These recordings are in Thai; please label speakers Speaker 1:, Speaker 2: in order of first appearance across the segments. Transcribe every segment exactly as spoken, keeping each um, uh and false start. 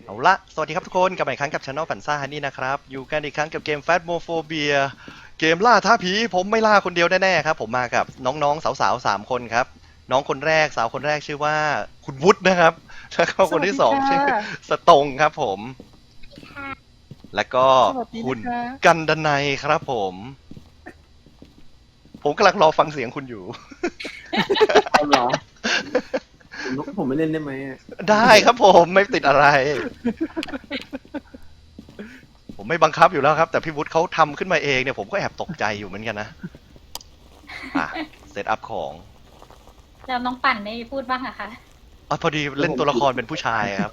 Speaker 1: เอาละสวัสดีครับทุกคนกลับมาอีกครั้งกับช anel ฝันซ่าฮันนี่นะครับอยู่กันอีกครั้งกับเกม Phasmophobia เกมล่าท้าผีผมไม่ล่าคนเดียวแน่ๆครับผมมากับน้องๆสาวๆสามคนครับน้องคนแรกสาวคนแรกชื่อว่าคุณวุฒินะครับแล้วก็คนที่สองชื่อสตงครับผมแล้วก็คุณกันดนัยครับผมผมกำลังรอฟังเสียงคุณอยู่
Speaker 2: เอาเหรอผมผมไม่เล่นได้ไหมอะ
Speaker 1: ได้ครับผมไม่ติดอะไร ผมไม่บังคับอยู่แล้วครับ แต่พี่วุฒิเขาทำขึ้นมาเองเนี่ยผมก็แอบตกใจอยู่เหมือนกันนะอ่ะเซตอัพของ
Speaker 3: แล้วน้องปั่นไม่พูดบ้างอะคะ
Speaker 1: อ๋อพอดีเล่นตัวละครเป็นผู้ชายครับ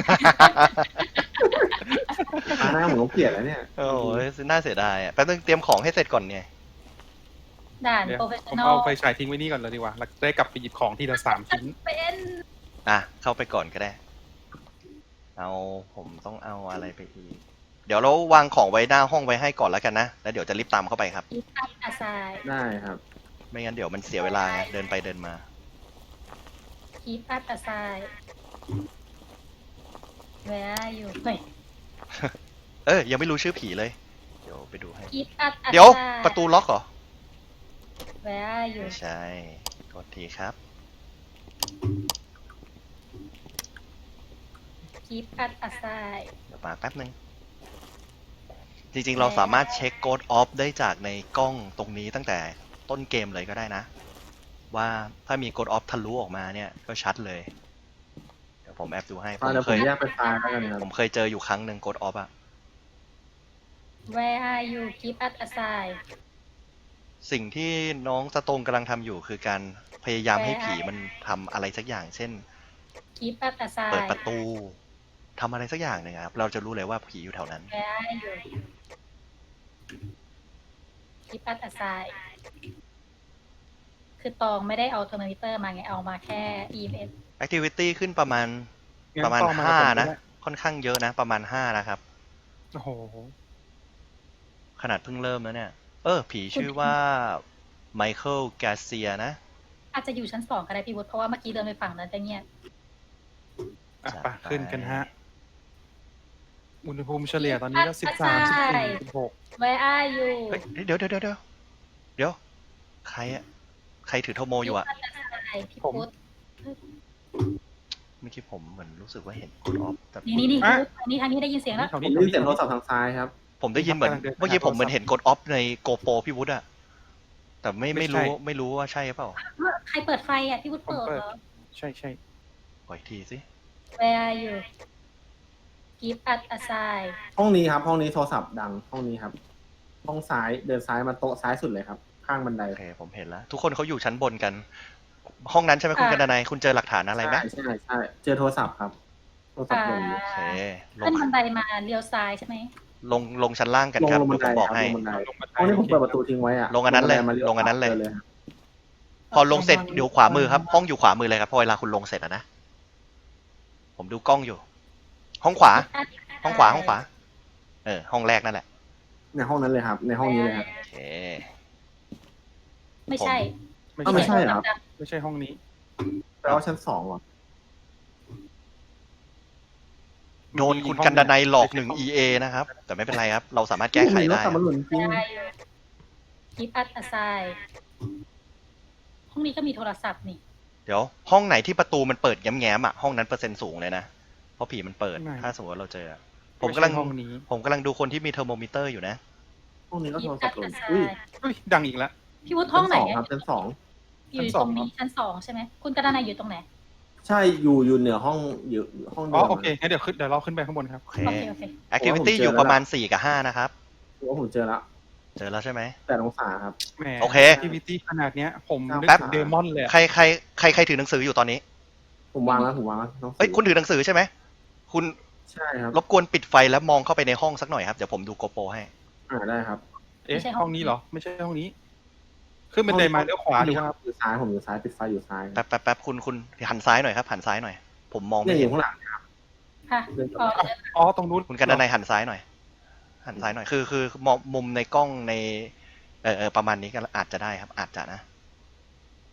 Speaker 2: ตาหน้าผมต้องเปลี่ยนแล้วเนี่ย
Speaker 1: โอ้ยน่าเสียดายอ่ะแป๊บนึงเตรียมของให้เสร็จก่อนเนี่ย
Speaker 3: ด่าน
Speaker 4: เดี๋ยว
Speaker 3: โปรเฟช
Speaker 4: ผ
Speaker 3: ชั่
Speaker 4: ม
Speaker 3: นอล
Speaker 4: เอาไฟฉายทิ้งไว้นี่ก่อนเลยดีกว่าแล้วได้กลับไปหยิบของทีละสามชิ้น
Speaker 3: เป็น
Speaker 1: อ่ะเข้าไปก่อนก็ได้ เอาผมต้องเอาอะไรไปอีก เดี๋ยวเราวางของไว้หน้าห้องไว้ให้ก่อนแล้วกันนะ แล้วเดี๋ยวจะรีบตามเข้าไปครับ
Speaker 3: อีทับอาซาย
Speaker 2: ได้ครับ
Speaker 1: ไม่งั้นเดี๋ยวมันเสียเวลาไงเดินไปเดินมา
Speaker 3: คีปอัพอาซายแวร์อยู่เฮ้ย
Speaker 1: เออยังไม่รู้ชื่อผีเลย เดี๋ยวไปดูให้
Speaker 3: คีปอัพอาซาย
Speaker 1: เดี๋ยวประตูล็อกเหรอ
Speaker 3: แวร์อยู่
Speaker 1: ไม่ใช่กดทีครับ
Speaker 3: คีปอัพอาซาย
Speaker 1: เดี๋ยวมาแป๊บนึง จริงๆ เราสามารถเช็คโกดออฟได้จากในกล้องตรงนี้ตั้งแต่ต้นเกมเลยก็ได้นะ ว่าถ้ามีโกดออฟทะลุออกมาเนี่ยก็ชัดเลย เดี๋ยวผมแอบดูให้ผ
Speaker 2: อ่าม เดี๋ยว
Speaker 1: เค
Speaker 2: ผม
Speaker 1: ย
Speaker 2: แยกไปไฟล์แล้วกันครับ
Speaker 1: ผมเคยเจออยู่ครั้งหนึ่งโกดออฟอะ
Speaker 3: แวร์อายูคีปอัพอาซาย
Speaker 1: สิ่งที่น้องสตงกำลังทำอยู่คือการพยายามให้ผีมันทำอะไรสักอย่าง เช่น
Speaker 3: คีปอัพอาซาย
Speaker 1: เปิดประตูทำอะไรสักอย่างหนึ่งครับเราจะรู้เลยว่าผีอยู่แถวนั้น
Speaker 3: แวร์อายูคีปอัพอาซายคือตองไม่ได้เอาเทอร์โมมิเตอร์มาไงเอามาแค่ อี เอ็ม เอส
Speaker 1: Activity ขึ้นประมาณ
Speaker 4: งั้น
Speaker 1: ประมาณ
Speaker 4: ต่อมา
Speaker 1: ห้า
Speaker 4: กับผม
Speaker 1: นะ
Speaker 4: ก็ได้
Speaker 1: ค่อนข้างเยอะนะ ประมาณห้านะครับ
Speaker 4: โอ้โห
Speaker 1: ขนาดเพิ่งเริ่มแล้วเนี่ย เออ ผีชื่อว่าไมเคิลแกเซียนะ
Speaker 3: อาจจะอยู่ชั้นสองก็ได้พี่วุฒิเพราะว่าเมื่อกี้เดินไปฝั่งนั้นจะเงียบ
Speaker 4: อ่ะ
Speaker 1: จัด
Speaker 4: ไป
Speaker 1: ไป
Speaker 4: ขึ้นกันฮะ อุณหภูมิเฉลี่ยตอนนี้ก็สิบสามสิบสี่สิบหก
Speaker 3: Where are you
Speaker 1: เฮ้ยเดี๋ยวเดี๋ยวเดี๋ยวเดี๋ยวเดี๋ยว ใครอะใครถือโทโมอยู่อะ
Speaker 3: พี่พุทธ
Speaker 1: เมื่อกี้ผมเหมือนรู้สึกว่าเห็นกดออฟแต่
Speaker 3: นี่นี่นี่พี่พุทธอันนี้ทางนี้ได้ยินเสียงแล้ว
Speaker 4: แถว
Speaker 2: ผม
Speaker 4: นี้
Speaker 2: ได้ยินเสียงโทรศัพท์ทางซ้ายครับ
Speaker 1: ผมได้ยินเหมือน เมื่อกี้ผมเหมือนเห็นกดออฟในโกโปรพี่วุฒิอะแต่ไม่ไม่รู้ไม่รู้ว่าใช่เปล่า
Speaker 3: ใครเปิดไฟอ่ะพี่พุทธเปิดเหรอ
Speaker 4: ใช่ใช่
Speaker 1: ขออีกทีสิ
Speaker 3: Where are you Give us a sign
Speaker 2: ห้องนี้ครับ ห้องนี้โทรศัพท์ดัง ห้องนี้ครับ ห้องซ้าย เดินซ้ายมาโต๊ะซ้ายสุดเลยครับ ข้างบันได
Speaker 1: โอเคผมเห็นแล้ว ทุกคนเขาอยู่ชั้นบนกัน ห้องนั้นใช่ไหมคุณกันดนัยคุณเจอหลักฐานอะไรไหม
Speaker 2: ใช่ใช่ใช่เจอโทรศัพท์ครับ โทรศัพท์ลงอยู่
Speaker 1: โอเคล
Speaker 3: ขึ้น
Speaker 1: ง
Speaker 3: บันไดมาเลี้ยวซ้ายใช่ไหม
Speaker 1: ลงลงชั้นล่างกัน
Speaker 2: ลง
Speaker 1: ครับ
Speaker 2: ลงบั
Speaker 1: เดี๋
Speaker 2: น
Speaker 1: ยว
Speaker 2: ได
Speaker 1: ผมบอก
Speaker 2: ครับ
Speaker 1: ให้
Speaker 2: ลงบันได
Speaker 4: ลงบันได
Speaker 2: ห้องนี้ผมเปิดประตูทิ้งไว้อะ
Speaker 1: ลงอันนั้นเลย
Speaker 2: บัไดมาลี้ว
Speaker 1: ลงอันนั้นเลย
Speaker 2: จครับ
Speaker 1: พอลงเสร็จเดี๋ยวขวามือครับห้องอยู่ขวามือเลยครับพอเวลาคุณลงเสร็จอะนะ ผมดูกล้องอยู่ ห้องขวา ห้องขวาห้องขวา เออ ห้องแรกนั่นแหละ
Speaker 2: ในห้องนั้นเลยครับ ในห้องนี้เลยครับ
Speaker 1: โอเค
Speaker 3: ไม่ใช่
Speaker 4: ไม่
Speaker 2: อ้าวไม่
Speaker 4: ใช่
Speaker 2: ใช่เหรอครับ
Speaker 4: ไม่ใช่ห้องนี้
Speaker 2: แปลว่าชั้นสองเหรอ
Speaker 1: โดนคุณกันดนัยหลอกหนึ่ง อี เอ นะครับ แต่ไม่เป็นไรครับ เราสามารถแก้ไขได้
Speaker 2: รถกลับมาหลุนจริง
Speaker 3: Where are you Give us a sign ห้องนี้ก็มีโทรศัพท์นี่
Speaker 1: เดี๋ยว ห้องไหนที่ประตูมันเปิดแง้มๆอ่ะห้องนั้นเปอร์เซ็นต์สูงเลยนะ เพราะผีมันเปิด
Speaker 4: ไม่
Speaker 1: ถ้าสมมติว่าเราเจอ ผมกำลัง
Speaker 4: ไใช่ห้องนี้
Speaker 1: ผมกำลังดูคนที่มีเทอร์โมมิเตอร์อยู่นะ
Speaker 2: ห้องนี้ก็โท
Speaker 3: Give
Speaker 2: รศัพ
Speaker 3: us
Speaker 2: ท์หลุ
Speaker 3: a
Speaker 2: นอุ้ย
Speaker 3: sign
Speaker 4: เฮ้ยดังอีกแล้ว
Speaker 3: พี่วุฒิห้องไหน
Speaker 2: ชั้สครับชั้นสอง
Speaker 3: อยู่ตรงนี้ชั้นสองใช่ไหมคุณกระดานายอยู่ตรงไหน
Speaker 2: ใช่อยู่อยู่เหนือห้องอยู่ห้อง
Speaker 4: อ๋
Speaker 2: เดิ
Speaker 4: อ
Speaker 2: ม
Speaker 4: โอเคงั้นเดี๋ยวขึ้นเดี๋ยวเราขึ้นไปข้างบนครับ
Speaker 1: โอเค
Speaker 3: โอเคโอเค
Speaker 1: activity อยู่ประมาณสี่กับห้านะครับ
Speaker 2: ผมว่าผมเจอแล้ว
Speaker 1: เจอแล้วใช่ไหม
Speaker 2: แปดองศาครับ
Speaker 4: แหม
Speaker 1: โอเค
Speaker 4: ทีวีตี้ขนาดเนี้ย ผมนึก
Speaker 2: แป๊บ
Speaker 4: ถึงเดมอนเลยอะ
Speaker 1: ใครใครใครใครถือหนังสืออยู่ตอนนี้
Speaker 2: ผมวางแล้วผมวางแล้วน้อง
Speaker 1: เอ้ยคุณถือหนังสือใช่ไหม คุณ
Speaker 2: ใช่ครับ
Speaker 1: รบกวนปิดไฟแล้วมองเข้าไปในห้องสักหน่อยครับ เดี๋ยวผมดูโกโปรให้
Speaker 2: อ่าได้ครับ
Speaker 4: เอ๊ะห้องนี้เหรอ ไม่ใช่ห้องนี้ ขึ้นบันไดมาเลี้ยวขวาดีครับ
Speaker 2: อยู่ซ้ายผมอยู่ซ้ายปิดไฟอยู่ซ้าย
Speaker 1: แป๊บแป๊บแป๊บคุณคุณหันซ้ายหน่อยครับ หันซ้ายหน่อย ผมมอง
Speaker 2: เนี่
Speaker 1: ไม่
Speaker 2: ยอ
Speaker 1: เห็น
Speaker 2: ยู่ข้างหลัง
Speaker 3: ค่ะ
Speaker 2: เดิน
Speaker 3: อ๋อ
Speaker 4: อ๋อตรงนู้น
Speaker 1: คุณกันดนัยหันซ้ายหน่อย หันซ้ายหน่อย คือคือมองมุมในกล้องใน เออเออประมาณนี้ก็อาจจะได้ครับ อาจจะนะ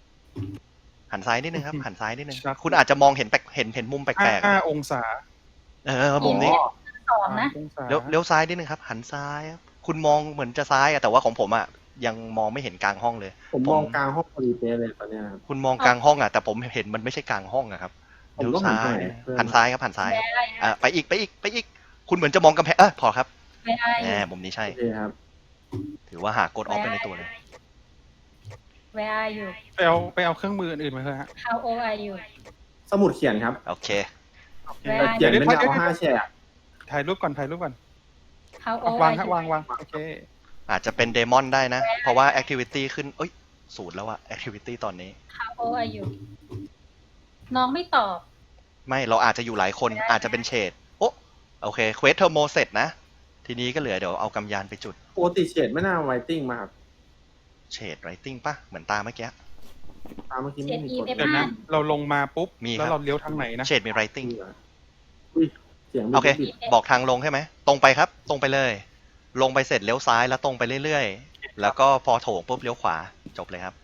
Speaker 1: หันซ้ายนิดนึงครับ หันซ้ายนิดนึง คุณอาจจะมองเห็นแปลกเห็นเห็นมุมแปลกๆ
Speaker 4: ห้า
Speaker 1: อะ
Speaker 4: องศา
Speaker 1: เออมุมนี้
Speaker 3: สองนะ
Speaker 4: องศา
Speaker 1: เลี้ยวเลี้ยวซ้ายนิดนึงครับ หันซ้ายครับคุณมองเหมือนจะซ้ายอะแต่ว่าของผมอะยังมองไม่เห็นกลางห้องเลย
Speaker 2: ผมมองกลางห้องพอดีเป๊ะเลยตอนเนี้ยครับ
Speaker 1: คุณมองกลางห้องอะแต่ผมเห็นมันไม่ใช่กลางห้องอะครับ
Speaker 2: ผม
Speaker 1: เลี้ยว
Speaker 2: ก็หัน
Speaker 1: ซ้า
Speaker 2: ไป
Speaker 1: ย
Speaker 2: เพื่อน
Speaker 1: หันซ้ายครับหันซ้าย
Speaker 3: แวร์อะไร
Speaker 1: อ่ะไปอีกไปอีกไปอีก คุณเหมือนจะมองกำแพงเออพอครับ
Speaker 3: แวร์อะไร
Speaker 1: แหมมุมนี้ใช่
Speaker 2: โอเคครับ
Speaker 1: ถือว่าหากดออฟไปในตัวเลย
Speaker 3: Where are you
Speaker 4: ไปเอาไปเอาเครื่องมืออื่นๆมาเถอะฮะ
Speaker 3: How old are you
Speaker 2: สมุดเขียนครับ
Speaker 1: โอเค
Speaker 3: Where
Speaker 2: แต่
Speaker 3: are
Speaker 2: เขียน
Speaker 3: you
Speaker 2: เป็นดาวห้าแฉก
Speaker 4: ถ่ายรูปก่อนถ่ายรูปก่อน
Speaker 3: How
Speaker 4: เอา
Speaker 3: old
Speaker 4: วาง
Speaker 3: are
Speaker 4: ฮะ
Speaker 3: you
Speaker 4: วางวางโอเค
Speaker 1: อาจจะเป็นเดมอนได้นะ เพราะว่าแอคทิวิตี้ขึ้นเอ้ยศูนย์แล้วอะแอคทิวิตี้ตอนนี้
Speaker 3: How old are you น้องไม่ตอบ
Speaker 1: ไม่เราอาจจะอยู่หลายคนอาจจะเป็นเฉดโอ้โอเคเควสเทอร์โมเสร็จนะ ทีนี้ก็เหลือเดี๋ยวเอากำยานไปจุด
Speaker 2: ปกติเฉดไม่น่าไวติ้งมาครับ
Speaker 1: เฉดไรติ้งปะเหมือนตาเมื่อกี้
Speaker 2: ตามเมื่อกี้ไม่มีกด
Speaker 3: เฉด
Speaker 4: เดี๋ยวนะ เราลงมาปุ๊บ
Speaker 1: มีครับ
Speaker 4: แล้วเราเลี้ยวทางไหนนะ
Speaker 1: เฉดมีไรติ้ง
Speaker 2: อุ้ยเสียงมี
Speaker 1: โอเค
Speaker 2: บิด
Speaker 1: บอกทางลงใช่ไหม ตรงไปครับ ตรงไปเลย ลงไปเสร็จเลี้ยวซ้ายแล้วตรงไปเรื่อยๆ แล้วก็พอโถงปุ๊บเลี้ยวขวา จบเลยครับ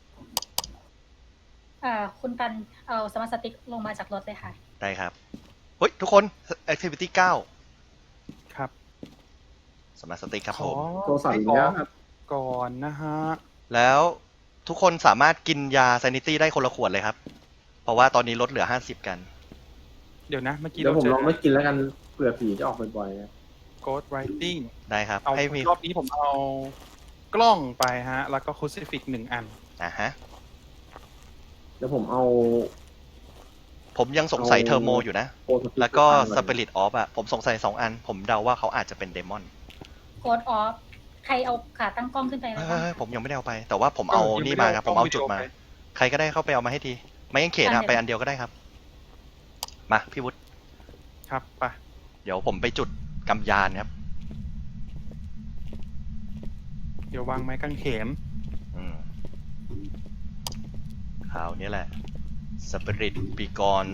Speaker 3: อ่า คุณปันเอาสมาร์ทสติ๊กลงมาจากรถเลยค่ะ
Speaker 1: ได้ครับ เฮ้ย ทุกคน activity เก้า
Speaker 4: ครับ
Speaker 1: สมาร์ทสติ๊กครับ
Speaker 4: ข
Speaker 1: ผ
Speaker 4: อ
Speaker 1: ม
Speaker 2: โทรศัพท์อีกแล้วครับ
Speaker 4: ก่อนนะฮะ
Speaker 1: แล้วทุกคนสามารถกินยา sanity ได้คนละขวดเลยครับ เพราะว่าตอนนี้ลดเหลือห้าสิบกัน
Speaker 4: เดี๋ยวนะ เมื่อกี้
Speaker 2: เดี๋ยว
Speaker 4: เรา
Speaker 2: ผม
Speaker 4: เจอ
Speaker 2: ลองไม่กินแล้วกันเผื่อผีจะออกบ่อยๆครับ
Speaker 4: Ghost Writing
Speaker 1: ได้ครับ
Speaker 4: เอา
Speaker 1: ให้มี
Speaker 4: รอบนี้ผมเอากล้องไปฮะ แล้วก็คูซิฟิกหนึ่งอัน
Speaker 1: อ่ะฮะ
Speaker 2: เดี๋ยวผมเอา
Speaker 1: ผมยังสงสัย
Speaker 2: เอา
Speaker 1: เทอร์โมอยู่นะ
Speaker 2: โปรสปิริต
Speaker 1: แล้วก็
Speaker 2: ตั้งไว้
Speaker 1: Spirit of อะผมสงสัยสองอัน ผมเดาว่าเขาอาจจะเป็นเดมอน
Speaker 3: Code off ใครเอาขาตั้งกล้องขึ้นไปไหม
Speaker 1: เฮ้
Speaker 3: คะ
Speaker 1: ยผมยังไม่ได้เอาไป แต่ว่าผมเอา
Speaker 4: เออยัง
Speaker 1: นี่
Speaker 4: ไม่
Speaker 1: มา
Speaker 4: ได้
Speaker 1: ครับ
Speaker 4: เอา
Speaker 1: ผมเอา
Speaker 4: กล้อง
Speaker 1: จุดมา
Speaker 4: วิดีโอไป
Speaker 1: ใครก็ได้เข้าไปเอามาให้ที ไม่ยังเขต
Speaker 3: อัน
Speaker 1: อะ
Speaker 3: เดียว
Speaker 1: ไปอันเดียวก็ได้ครับ มาพี่วุฒิ
Speaker 4: ครับไป
Speaker 1: เดี๋ยวผมไปจุดกำยานครับ
Speaker 4: เดี๋ยววางไม้กางเขน
Speaker 1: อืมคราวนี้แหละ Spirit Be Gone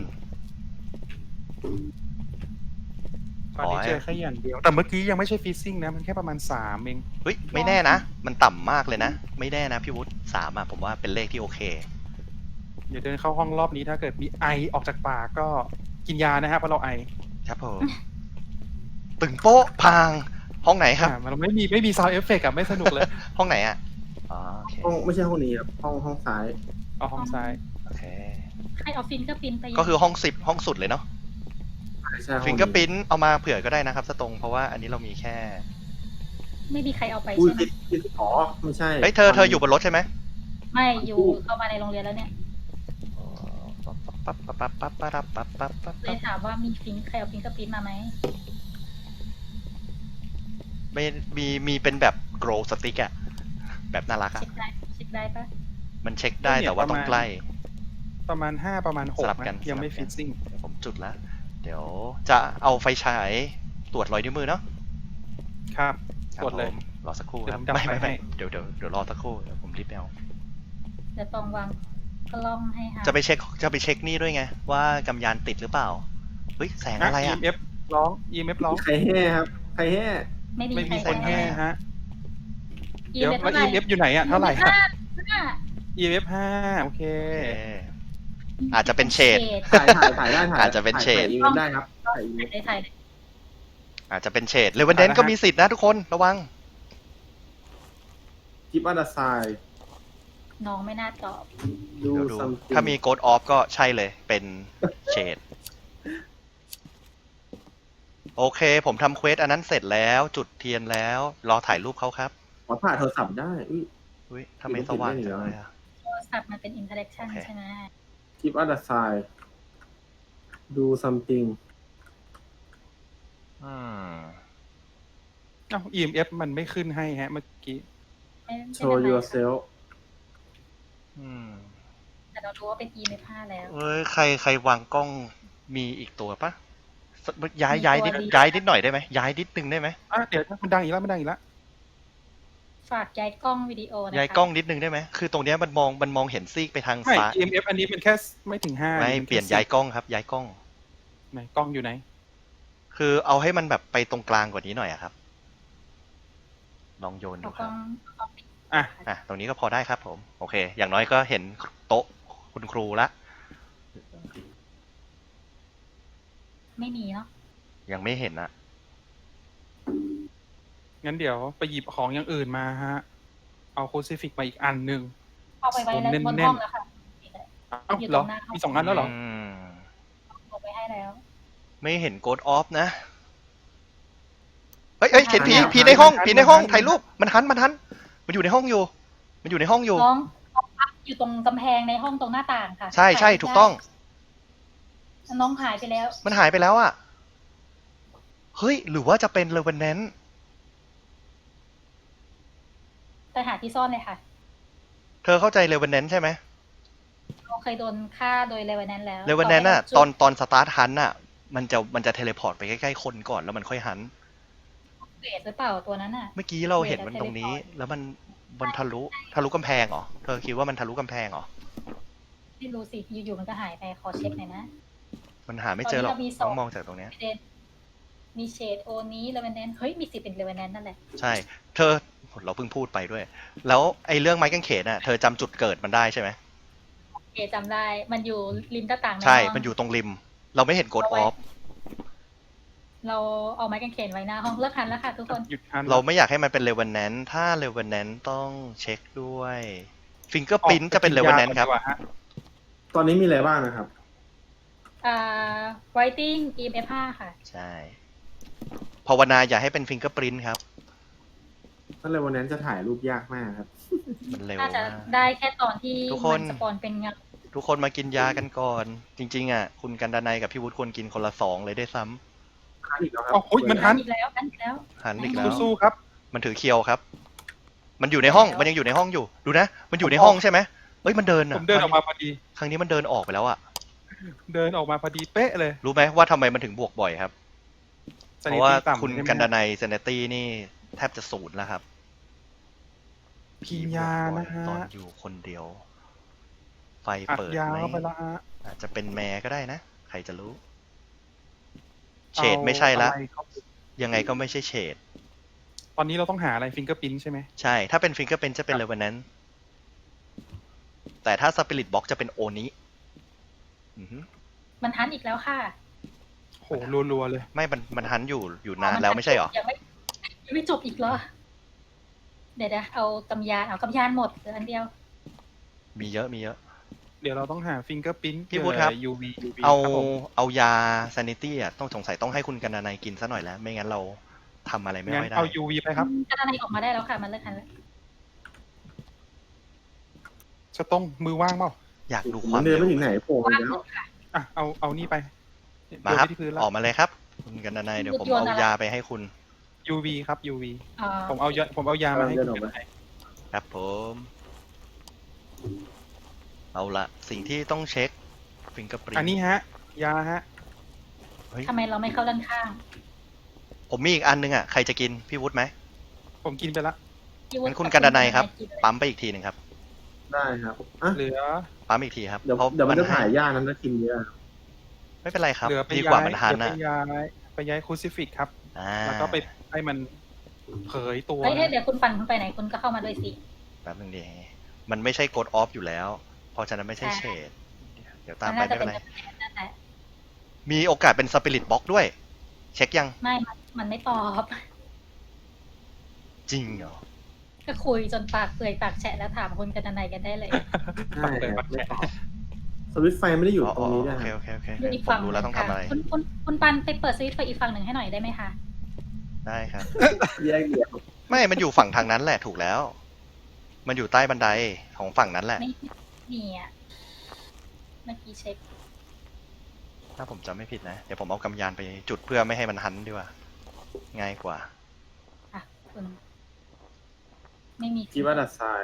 Speaker 4: ตอนนี้
Speaker 1: ขอให้
Speaker 4: เจอแค่อย่างเดียว แต่เมื่อกี้ยังไม่ใช่ฟิซซิ่งนะ มันแค่ประมาณสามเอง
Speaker 1: เฮ้ย ไม่แน่นะ มันต่ำมากเลยนะ ไม่แน่นะพี่วุฒิสามอะผมว่าเป็นเลขที่โอเค
Speaker 4: เดี๋ยวเดินเข้าห้องรอบนี้ถ้าเกิดมีไอออกจากปากก็กินยานะฮะเพราะเราไอ
Speaker 1: ครับผม ตึงโป๊ะพาง ห้องไหนครับ
Speaker 4: อ่ามันไม่มีไม่มีซาวด์เอฟเฟกต์อะไม่สนุกเลย
Speaker 1: ห้องไหนอะอ๋อโอเค
Speaker 2: ห้องไม่ใช่ห้องนี้ครับห้องห้องซ้าย
Speaker 4: เอาห้องซ้าย
Speaker 1: โอเค
Speaker 3: ให้เอาฟินก็ปินไป
Speaker 1: ก็คือห้องสิบห้องสุดเลยเนาะ
Speaker 2: ใช่ห้อง
Speaker 1: ฟิงเกอร์พิ้นเอามาเผื่อก็ได้นะครับสตรงเพราะว่าอันนี้เรามีแค่
Speaker 3: ไม่มีใครเอาไป
Speaker 2: อุ้ย
Speaker 3: ใช่ไหม
Speaker 2: ผิดผิดอ๋อไม่ใช่
Speaker 1: เฮ้ยเธอเธออยู่บนรถใช่ไหม
Speaker 3: ไม่อยู่เข้ามาในโรงเรียนแล้วเนี่ย
Speaker 1: ปั๊บปั๊บปั๊บปั๊บปั๊บปั๊บปั๊บปั๊บ
Speaker 3: เลยถามว่ามีฟินใครเอาฟินก็ปินมาไหม
Speaker 1: ไม่มีมีเป็นแบบโกลสติ๊กอะแบบน่ารักอะ
Speaker 3: เช็คได้เช็คได้ปะ
Speaker 1: มันเช็คได้แต่ว่าต้องใกล้
Speaker 4: ประมาณห้าประมาณห
Speaker 1: ส
Speaker 4: ก
Speaker 1: ลับกัน
Speaker 4: นะยังไม่
Speaker 1: สลับกัน
Speaker 4: ฟิซซิ่ง
Speaker 1: เดี๋ยวผมจุดแล้ว เดี๋ยวจะเอาไฟฉายตรวจรอยนิ้วมือเนาะ
Speaker 4: ครับ
Speaker 1: ครับ
Speaker 4: กดเลย
Speaker 1: ผมรอสักครู่ครับ
Speaker 4: เดี๋ยวผมดับ
Speaker 1: ไม่ไม่
Speaker 4: ไฟให้
Speaker 1: ไม่เดี๋ยวเดี๋ยวเดี๋ยวรอสักครู่เดี๋ยวผมรีบไปเอา
Speaker 3: เดี๋ยวตองวางกล้องให้ค่ะ
Speaker 1: จะไปเช็คจะไปเช็คนี่ด้วยไง ว่ากำยานติดหรือเปล่าเฮ้ยแสงอะไรอะ
Speaker 4: อี เอ็ม เอฟ ร้อง อี เอ็ม เอฟ ร้อง
Speaker 2: ใครแห่ครับใครแห่
Speaker 3: ไม่มี
Speaker 4: ไม่มี
Speaker 3: ใคร
Speaker 4: คนแห่ฮะ
Speaker 3: อี
Speaker 4: เดี๋ยว
Speaker 3: เม
Speaker 4: แล้ว
Speaker 3: เท่าไหร่
Speaker 4: อี เอ็ม เอฟ อยู่ไหนอะเท่าไหร่
Speaker 3: ห้าห้า
Speaker 4: อี เอ็ม เอฟ ห้าโอเค
Speaker 1: โอเคอาจจะเป็นเฉด
Speaker 2: ถ่ายถ่ายถ่ายได้ถ่าย
Speaker 1: อาจจะเป็นเฉด
Speaker 2: ถ่ายอีเวนต์ได้ครับถ่ายอีเวนต์
Speaker 3: ได้ถ่ายได้
Speaker 1: อาจจะเป็นเฉดเลเวนเดน
Speaker 4: อ่านะฮะ
Speaker 1: ก็มีสิทธินะทุกคนระวัง
Speaker 2: กิฟต์อันดาไซ
Speaker 3: น้องไม่น่าตอบ
Speaker 2: ดู
Speaker 1: เดี๋ยวดู
Speaker 2: ซัม
Speaker 1: ถ้ามีโกดออฟก็ใช่เลยเป็นเฉดโอเค ผมทำเควสอันนั้นเสร็จแล้วจุดเทียนแล้ว รอถ่ายรูปเขาครับ
Speaker 2: ขอถ่ายโทรศัพท์ได้อุ้ย
Speaker 1: อุ้ยทำไมสว่างจังเลยอะ
Speaker 3: โทรศัพท์มันเป็นอินเทอร์แอคชั่น
Speaker 1: โอเค
Speaker 3: ใช่ไหม
Speaker 2: กิฟต์อันดาไซดูซัมติง
Speaker 1: อืม
Speaker 4: เอ้า อี เอ็ม เอฟ มันไม่ขึ้นให้ฮะ เมื่อกี้
Speaker 3: ไม่ไม่
Speaker 2: โช
Speaker 3: เป็น
Speaker 2: ว์
Speaker 3: ไร
Speaker 2: yourself
Speaker 1: อืม
Speaker 3: แต่เรารู้ว่าเป็น อี เอ็ม เอฟ ห้าแล้ว
Speaker 1: เอ้ยใครใครวางกล้องมีอีกตัวปะย้าย
Speaker 3: มี
Speaker 1: ย้าย
Speaker 3: ตัว
Speaker 1: นิด
Speaker 3: เดียว
Speaker 1: ย้ายนิดหน่อยได้ไหมย้ายนิดนึงได้ไหม
Speaker 4: อ่ะเดี๋ยวมันดังอีกแล้วมันดังอีกแล้ว
Speaker 3: ฝากย้ายกล้องวิดีโอนะคะ
Speaker 1: ย้ายกล้องนิดนึงได้ไหมคือตรงเนี้ยมันมองมันมองเห็นซีกไปทาง
Speaker 4: ใช่
Speaker 1: ซ้าย
Speaker 4: อี เอ็ม เอฟ อันนี้มันแค่ไม่ถึงห้า
Speaker 1: ไม่
Speaker 4: มั
Speaker 1: เปลี่ยน
Speaker 4: แค่
Speaker 1: ย้ายกล้องครับ ย้ายกล้อง
Speaker 4: ไหนกล้องอยู่ไหน
Speaker 1: คือเอาให้มันแบบไปตรงกลางกว่านี้หน่อยอะครับ ลองโยนดู
Speaker 3: เอา
Speaker 1: ค
Speaker 3: กล้
Speaker 1: รั
Speaker 3: อบ งเอากล้องปิด
Speaker 4: อ่ะ
Speaker 1: อ่ะตรงนี้ก็พอได้ครับผม โอเค อย่างน้อยก็เห็นโต๊ะคุณครูละ
Speaker 3: ไม่มีเนาะ
Speaker 1: ยังไม่เห็นอะ
Speaker 4: งั้นเดี๋ยวไปหยิบของอย่างอื่นมาฮะ เอาโคซิฟิกมาอีกอันหนึ่ง
Speaker 3: เอาไปไว้แล้ว
Speaker 4: แน่นๆ
Speaker 3: บนห้องแล้วค่ะ
Speaker 4: เอ้าเหรอ มีสองอันแล้วเหรอ
Speaker 1: ม
Speaker 3: เอาไปให้แล้ว
Speaker 1: ไม่เห็นโกดออฟนะ เฮ้ยเฮ้ยเห็นผีผีในห้องผีในห้องถ่ายรูปมันหันมันหันมันอยู่ในห้องอยู่ มันอยู่ในห้องอยู่
Speaker 3: น้องน้องพักอยู่ตรงกำแพงในห้องตรงหน้าต่างค่ะ
Speaker 1: ใช่ใช่ถูกต้อง
Speaker 3: น้องหายไปแล้ว
Speaker 1: มันหายไปแล้วอะเฮ้ย หรือว่าจะเป็นเลเวนแนน
Speaker 3: ไปหาที่ซ่อนเลยค่ะ
Speaker 1: เธอเข้าใจเลเวนแนนใช่ไหม
Speaker 3: เราเคยโดนฆ่าโดยเลเวนแนนแล้ว
Speaker 1: เลเวนแนนอะตอนตอนสตาร์ทฮันอะมันจะมันจะเทเลพอร์ตไปใกล้ๆคนก่อนแล้วมันค่อยหัน
Speaker 3: เกรดหรือเปล่าตัวนั้นอ่ะ
Speaker 1: เมื่อกี้เราเห็นมันตรงนี้ แล้วมันบนทะลุทะลุกำแพงเหรอ เธอคิดว่ามันทะลุกำแพงเหรอ
Speaker 3: ไม่รู้สิ อยู่ๆมันก็หายไป ขอเช็คหน่อยนะ
Speaker 1: มันหาไม่เจอหรอก
Speaker 3: ตอนนี้เรามีส
Speaker 1: ต้
Speaker 3: อ
Speaker 1: อง งมองจากตรงเนี้ย
Speaker 3: เดนมีเชดโอนี้เลเวนแนนเฮ้ย มีสิทธิ์เป็นเลเวนแนนนั่นแหละ
Speaker 1: ใช่ เธอเราเพิ่งพูดไปด้วย แล้วไอ้เรื่องไม้กางเขนอะเธอจำจุดเกิดมันได้ใช่ไหม
Speaker 3: เกจำได้ มันอยู่ริมหน้าต่างใน
Speaker 1: ใช่
Speaker 3: ห้อง
Speaker 1: มันอยู่ตรงริม เราไม่เห็นโกดออฟ
Speaker 3: เราเอาไม้กางเขนไว้หน้าห้องเลิกทันแล้วค่ะทุกคน
Speaker 4: หยุดทัน
Speaker 1: เราไม่อยากให้มันเป็นเลเวนแนนถ้าเลเวนแนนต้องเช็คด้วยฟิงเกอร์พินจะเป็นเลเวนแนนครับ
Speaker 4: ออกไปกิยาก่อดีกว่าฮะ
Speaker 2: ตอนนี้มีอะไรบ้างนะครับ
Speaker 3: อ่า writing อี เอ็ม เอฟ ห้าค่ะ
Speaker 1: ใช่ภาวนาอย่าให้เป็นฟิงเกอร์พินครับ
Speaker 2: นั่นเลยวันนั้นจะถ่ายรูปยากมากครับ
Speaker 1: มันเร็ว
Speaker 3: น่าจะ
Speaker 1: มาก
Speaker 3: ได้แค่ตอนที่
Speaker 1: ทุกคน
Speaker 3: มัสปอนเป็นเงา
Speaker 1: ทุกคนมากินยากันก่อน จริงๆอ่ะคุณกันดนัยกับพี่วุฒิควรกินคนละสองเลยได้วยซ้ำ
Speaker 2: หันอีกแล้วครั
Speaker 4: เอ้าเฮ้ยมันหัน
Speaker 3: อีกแล้วอันอีกแล้ว
Speaker 1: หันอีกแล้ว
Speaker 4: สู้ๆครับ
Speaker 1: มันถือเคียวครับ มันอยู่ในห้อง มันยังอยู่ในห้องอยู่ ดูนะ มันอยู่ในห้องใช่ไหมเอ้ย มันเดิน
Speaker 4: ผ
Speaker 1: อ่ะ
Speaker 4: มเดินออกมาพอดี
Speaker 1: ครั้งนี้มันเดินออกไปแล้วอ่ะ
Speaker 4: เดินออกมาพอดีเป๊ะเลย
Speaker 1: รู้ไหมว่าทำไมมันถึงบวกบ่อยครับ เพ
Speaker 4: Sanity
Speaker 1: ราะว่า
Speaker 4: ต่ำ
Speaker 1: คุณ
Speaker 4: ใช่ไหม
Speaker 1: กันดนัยเซนตี้นี่แทบจะศูนย์แล้วครับ
Speaker 4: กินยานะฮะ
Speaker 1: ตอนอยู่คนเดียว ไฟ
Speaker 4: อัด
Speaker 1: เปิด
Speaker 4: ยา
Speaker 1: ไหม
Speaker 4: เข้าไปแล้วฮะ
Speaker 1: อาจจะเป็นแม่ก็ได้นะ ใครจะรู้ เฉดไม่ใช่ละ
Speaker 4: เอาอะไรเข้าไป
Speaker 1: ยังไงก็ไม่ใช่เฉด
Speaker 4: ตอนนี้เราต้องหาอะไรฟิงเกอร์พินใช่ไหม
Speaker 1: ใช่ ถ้าเป็นฟิงเกอร์เป็นจะเป็นเลเวนแนนแต่ถ้าสปิริตบ็อกจะเป็นโอนี้อือฮึ
Speaker 3: มันทันอีกแล้วค่ะ
Speaker 4: โหรัวๆเลย
Speaker 1: ไม่ มัน มันหันอยู่อยู่นานแล้วไม่ใช่เหรอ
Speaker 3: ยังไม่ยังไม่จบอีกเหรอ เดี๋ยวนะเอากำยานเอากำยานหมดเหลืออันเดียว
Speaker 1: มีเยอะ มีเยอะ
Speaker 4: เดี๋ยวเราต้องหาฟิงเกอร์พิน
Speaker 1: พี่วุฒิครับ
Speaker 4: ยูวียูวี
Speaker 1: เอา
Speaker 4: ครับผม
Speaker 1: เอายาซานิตี้อ่ะ ต้องสงสัยต้องให้คุณกันดนัยกินซะหน่อยแล้ว ไม่งั้นเราทำอะไรไม่
Speaker 4: งั้น
Speaker 1: ค่อยได้
Speaker 4: เอายูวีไปครับ
Speaker 3: กระดานออกมาได้แล้วค่ะ มันเลิกทันแล้ว
Speaker 4: จะต้องมือว่างเปล่า
Speaker 1: อยากดู
Speaker 2: ผม
Speaker 1: ความ
Speaker 2: เดิน
Speaker 1: เร็ว
Speaker 2: ไปถึงไหนโผล่อี
Speaker 3: ว่าก ง
Speaker 2: แล้
Speaker 3: หม
Speaker 2: ว
Speaker 3: ดค่ะ
Speaker 4: อ่ะเอาเอานี่ไป
Speaker 1: มาครับ
Speaker 4: โยนไปที่พื้นแล้ว
Speaker 1: ออกมาเลยครับ คุณกันดนัยเดี๋ยวผม
Speaker 3: โยน
Speaker 1: เอา
Speaker 3: อะไร
Speaker 1: ยาไปให้คุณ
Speaker 4: ยูวีครับยูวี
Speaker 3: อ่า
Speaker 4: ผมเอายาผมเอายามาให้
Speaker 2: เดิ
Speaker 4: คุ
Speaker 2: น
Speaker 4: ณ
Speaker 2: ออกมา
Speaker 1: ครับผม เอาละสิ่งที่ต้องเช็คฟิงเกอร์ปริน
Speaker 4: อันนี้ฮะ ยาฮะ
Speaker 3: ทำไมเราไม่เข้าด้านข้าง
Speaker 1: ผมมีอีกอันนึงอ่ะ ใครจะกิน พี่วุฒิไหม
Speaker 4: ผมกินไปละ
Speaker 3: พี่วุฒิ
Speaker 1: งั้นคุณกันดนัยครับ
Speaker 3: กินเลย
Speaker 1: ปั๊มไปอีกทีหนึ่งครับ
Speaker 2: ได้ครับอ่ะ
Speaker 4: เหลือ
Speaker 1: ปั๊มอีกทีครับ
Speaker 2: เดี๋ยว
Speaker 1: เพราะ
Speaker 2: เดี๋ยวมันจะ
Speaker 1: ให้
Speaker 2: ถ่ายยากนั้นจะกินเยอะ
Speaker 1: ไม่เป็นไรครับ
Speaker 4: เหลือไป
Speaker 1: ดี
Speaker 4: ย้าก
Speaker 1: ว่าย มันหัน
Speaker 4: เหลือ
Speaker 1: อ่ะ
Speaker 4: ไปย้ายไปย้ายคูซิฟิกครับ
Speaker 1: อ่า
Speaker 4: แล้วก็ไปให้มันเผยตัว
Speaker 3: เฮ้ยเดี๋ยวคุณปั่นคุณไปไหนคุณก็เข้ามาด้วยสิ
Speaker 1: แป๊บนึงดีมันไม่ใช่กดออฟอยู่แล้ว เพราะฉะนั้นไม่ใช่
Speaker 3: ใช่
Speaker 1: เฉดเดี๋ยวตาม
Speaker 3: มัน
Speaker 1: ไป
Speaker 3: น่าจะ
Speaker 1: ไม่
Speaker 3: เป็
Speaker 1: เป็น นไร
Speaker 3: นั่นแหละ
Speaker 1: มีโอกาสเป็นสปิริตบ็อกด้วย เช็คยัง
Speaker 3: ไม่มันมันไม่ตอบ
Speaker 1: จริงเหรอ
Speaker 3: ก็คุยจนปากเปื่อยปากแฉะแล้วถามคุณกันนัยกันได้เลย
Speaker 2: ใช่ครับไม่ตอบสวิตช์ไฟไม่ได้อยู่
Speaker 1: อ๋อ
Speaker 2: ตรงนี้นะ
Speaker 1: โอ
Speaker 2: ค
Speaker 1: เครับ โอเคโอเค
Speaker 3: อยู่อีก
Speaker 1: ผ
Speaker 3: ฝั่
Speaker 1: ม
Speaker 3: ง
Speaker 1: รู้แล้วต้องทำอะไร
Speaker 3: คุณคุณคุณปันไปเปิดสวิตช์ไฟอีกฝั่งหนึ่งให้หน่อยได้ไหมคะ
Speaker 1: ได้ครับ
Speaker 2: แยกเดี่ยว
Speaker 1: ไม่ มันอยู่ฝั่งทางนั้นแหละถูกแล้ว มันอยู่ใต้บันไดของฝั่งนั้นแหละ
Speaker 3: ไม่มีอ่ะเมื่อกี้เช็ค
Speaker 1: ถ้าผมจำไม่ผิดนะ เดี๋ยวผมเอากำยานไปจุดเพื่อไม่ให้มันหันดีกว่า ง่ายกว่า
Speaker 3: อ่ะคุณไม่มี
Speaker 2: คิดว่าดัดทราย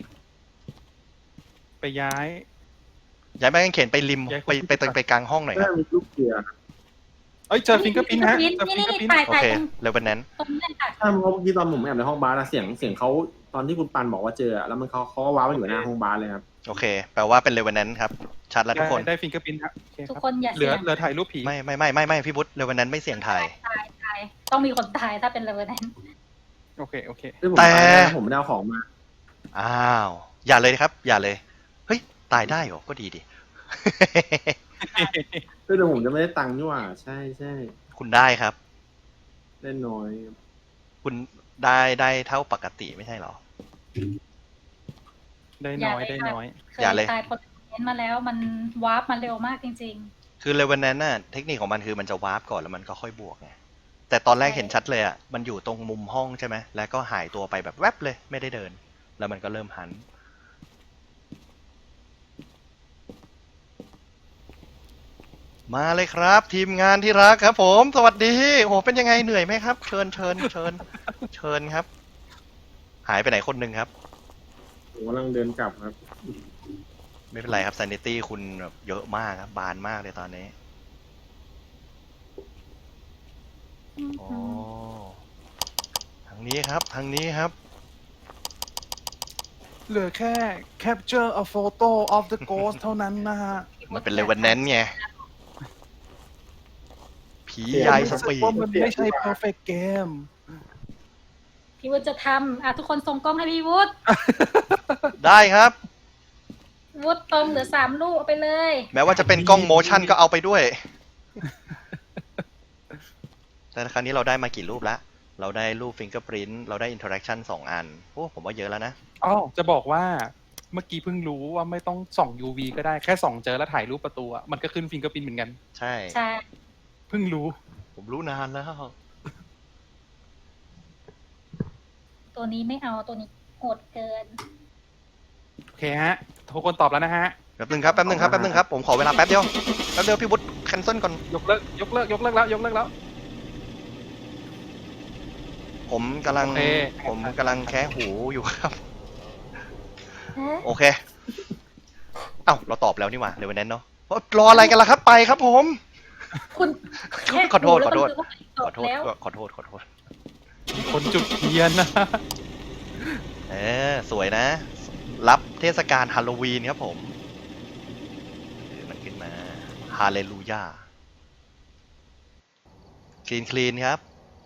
Speaker 4: ไปย้าย
Speaker 1: ย้ายไม้กางเขนไปริม
Speaker 4: ย้าย
Speaker 1: ไปไปไปไปกลางห้องหน่อยค
Speaker 2: เพื่
Speaker 1: รั
Speaker 2: อบ มีลูกเกลือ
Speaker 4: เอ้ยเจอฟิงเกอร์พินฮะ
Speaker 3: นี่
Speaker 4: เจอฟิง
Speaker 3: นี่
Speaker 4: เกอร์พิ
Speaker 3: นี่
Speaker 4: น
Speaker 3: ถ่าย
Speaker 1: โอ
Speaker 3: ถ่าย
Speaker 1: เค
Speaker 3: ตรง
Speaker 1: เลเวนแนน
Speaker 3: ตรงนี้เลยค่ะ
Speaker 2: ถ้าเมื่อกี้ตอนผมแอบในห้องบาร์อะเสียงเสียงเขาตอนที่คุณปันบอกว่าเจออะแล้วมันเขาเขาก็ว้าวมาอยู่หน้าห้องบาร์เลยครับ
Speaker 1: โอเค แปลว่าเป็นเลเวนแนนครับ ชัดแล้วทุกคน
Speaker 4: ได้ฟิงเกอร์พินฮะโอเค
Speaker 3: ทุก
Speaker 4: ครับ
Speaker 3: คนอย่า
Speaker 4: เหลื
Speaker 3: เสี่
Speaker 4: อย
Speaker 3: ง
Speaker 4: เหลือถ่ายรูปผี
Speaker 1: ไม่ไม่ไม่ไม่ไม่พี่บุ๊เลเวนแนนไม่เสี่ยงถ่าย
Speaker 3: ตายตายต้องมีคนตายถ้าเป็นเลเวอร์แนน
Speaker 4: โอเคโอเค
Speaker 2: ซึ่งผม
Speaker 1: แต่
Speaker 2: ตายแล้วผมไม่ได้เอาของมา
Speaker 1: อ้าว อย่าเลยครับ อย่าเลย เฮ้ย ตายได้เหรอ ก็ดีดิ
Speaker 2: ซึ่งเดี๋ยวผมจะไม่ได้ตังค์นี่หว่าใช่ใช่
Speaker 1: คุณคุณได้ครับ
Speaker 2: ได้น้อย
Speaker 1: คุณได้ได้เท่าปกติไม่ใช่เหรอ
Speaker 4: ได้น้อยได้น้อย
Speaker 3: เค
Speaker 1: อย่าเลย
Speaker 3: ยตายพลเมนต์มาแล้วมันวาร์ปมาเร็วมากจริง
Speaker 1: คือเลเวนแนนน่ะเทคนิคของมันคือมันจะวาร์ปก่อนแล้วมันก็ค่อยบวกไงแต่ตอนแรก
Speaker 3: ใช่
Speaker 1: เห็นชัดเลยอ่ะมันอยู่ตรงมุมห้องใช่ไหมแล้วก็หายตัวไปแบบแวบเลยไม่ได้เดิน แล้วมันก็เริ่มหัน มาเลยครับ ทีมงานที่รักครับ ผม สวัสดีโหเป็นยังไงเหนื่อยไหมครับ เชิญเชิญเชิญเชิญครับ หายไปไหนคนหนึ่งครับ
Speaker 2: ผมกำลังเดินกลับครับ
Speaker 1: ไม่เป็นไรครับ sanity คุณแบบเยอะมากครับ บานมากเลยตอนนี้
Speaker 3: ๆ
Speaker 1: อ๋อทางนี้ครับ ทางนี้ครับ
Speaker 4: เหลือแค่ capture a photo of the ghost เท่านั้นนะฮะ
Speaker 1: มันเป็นเลเวนแนนไง ผี
Speaker 2: เดี๋ยว
Speaker 1: ยายส
Speaker 4: รู้สึก
Speaker 1: ปีด
Speaker 4: ว่ามันไม่ใช่ perfect game
Speaker 3: พี่วุฒิจะทำอ่ะทุกคนส่งกล้องให้พี่วุฒิ
Speaker 1: ได้ครับ
Speaker 3: วุฒิตรงเหลือสามลูกเอาไปเลย
Speaker 1: แม้ว่าจะเป็นกล้องโมชั่นก็เอาไปด้วย แต่ครั้งนี้เราได้มากี่รูปละ เราได้รูปฟิงเกอร์ i ริ t เราได้อินเทอร์แอคชั่นสองอัน โอ้ผมว่าเยอะแล้วนะ
Speaker 4: อ๋อจะบอกว่าเมื่อกี้เพิ่งรู้ว่าไม่ต้องส่อง ยู วี ก็ได้แค่ส่องเจอแล้วถ่ายรูปประตูอะมันก็ขึ้นฟิงเกอร์พินเหมือนกัน
Speaker 1: ใช่
Speaker 3: ใช่
Speaker 4: เพิ่งรู้
Speaker 1: ผมรู้นานแล้ว
Speaker 3: ตัวนี้ไม่เอาตัวนี้โหดเกิน
Speaker 4: โอเคฮะทุกคนตอบแล้วนะฮะ
Speaker 1: แป๊บนึงครับ แป๊บนึงครับ แป๊บนึงครับ ผมขอเวลาแป๊บเดียว แป๊บเดียวพี่วุฒิแคนเซิลก่อน
Speaker 4: ยกเลิกยกเลิกยกเลิกแล้วยกเลิกแล้ว
Speaker 1: ผมกำลัง
Speaker 4: โอเค
Speaker 1: ผมกำลังแคะหูอยู่ครับ โอเค เอ้าเราตอบแล้วนี่หว่าเลเวนแนนเนาะรออะไรกันล่ะครับ ไปครับผม
Speaker 3: คุณแค่
Speaker 1: ขอโทษขอโทษ
Speaker 3: แล้วมัน
Speaker 1: ขอโทษ
Speaker 3: แล้ว
Speaker 1: ขอโทษ ขอโทษ
Speaker 4: คนจุดเทียนนะ
Speaker 1: เออสวยนะ รับเทศกาลฮาโลวีนครับผมเออมันขึ้นมาฮาเลลูยาคลีนคลีนครับ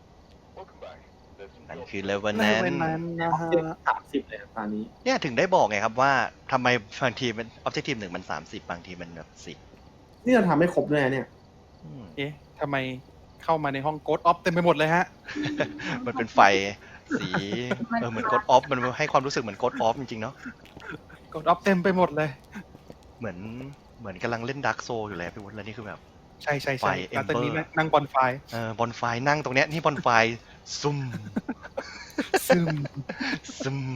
Speaker 1: นั่นคือเลเวนแน
Speaker 4: ใน
Speaker 1: น
Speaker 4: เวลนั้นนะฮะ
Speaker 2: สามสิบเลยครับตอนนี้
Speaker 1: เนี่ยถึงได้บอกไงครับว่าทำไมบางทีมันออบเจกตีฟหนึ่งมันสามสิบบางทีมันแบบสิบ
Speaker 2: นี่เราทำไม่ครบด้วยนะเนี่ย
Speaker 4: เอ๊ะทำไมเข้ามาในห้องโกดออฟเต็มไปหมดเลยฮะ
Speaker 1: มันเป็นไฟสีเออเหมือนกดออฟมันให้ความรู้สึกเหมือนกดออฟจริงๆเนาะ
Speaker 4: โกดออฟเต็มไปหมดเลย
Speaker 1: เหมือนเหมือนกำลังเล่นดาร์กโซอยู่เลยพี่วุฒิแล้วนี่คือแบบ
Speaker 4: ใช่ใช่
Speaker 1: ไฟ
Speaker 4: ใช่แล้วตอนนี้
Speaker 1: Ember
Speaker 4: นั่งบอลไฟ
Speaker 1: เออบอลไฟนั่งตรงเนี้ยนี่บอลไฟซุ่ม
Speaker 4: ซึม
Speaker 1: ซึม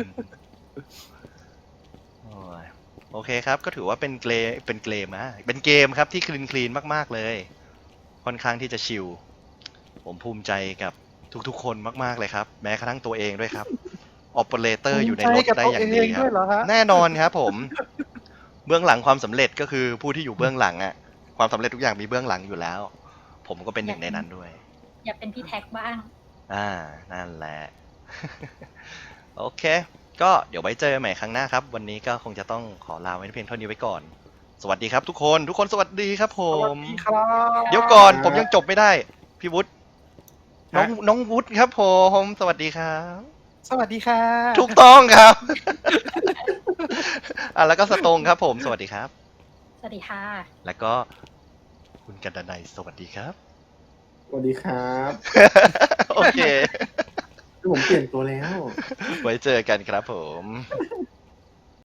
Speaker 1: โอ้ยโอเคครับ ก็ถือว่าเป็นเกมเป็นเกมนะเป็นเกมครับที่คลีนคลีนมากๆเลย ค่อนข้างที่จะชิลผมภูมิใจกับทุกๆคนมากๆเลยครับ แม้กระทั่งตัวเองด้วยครับออปเปอเรเตอร์อยู่ในรถได้อย่างดีครั
Speaker 4: ด้
Speaker 1: บ
Speaker 4: วยเหรอฮะ
Speaker 1: แน่นอนครับผม เบื้องหลังความสำเร็จก็คือผู้ที่อยู่เบื้องหลังอะความสำเร็จทุกอย่างมีเบื้องหลังอยู่แล้ว ผมก็เป็นหนึ่งในนั้นด้วย
Speaker 3: อยากเป็นพี่แท็กบ้าง
Speaker 1: อ่า นั่นแหละ โอเค ก็เดี๋ยวไว้เจอใหม่ครั้งหน้าครับ วันนี้ก็คงจะต้องขอลาไว้เพียงเท่านี้ไว้ก่อน สวัสดีครับทุกคน ทุกคนสวัสดีครับผ
Speaker 4: สวัส
Speaker 1: ม
Speaker 4: ดีครับ
Speaker 1: เดี๋ยวก่อนผมยังจบไม่ได้ พี่วุฒิน้อง
Speaker 4: ฮะ
Speaker 1: น้องวุฒิครับผม สวัสดีครับ
Speaker 4: สวัสดีค่ะ
Speaker 1: ถูกต้องครับ อ่ะแล้วก็สตงครับผม สวัสดีครับ
Speaker 3: สวัสดีค่ะ
Speaker 1: แล้วก็คุณกันดนัยสวัสดีครับ
Speaker 2: สวัสดีครับ
Speaker 1: โอเค
Speaker 2: คือผมเปลี่ยนตัวแล้ว
Speaker 1: ไว้เจอกันครับผม
Speaker 2: ค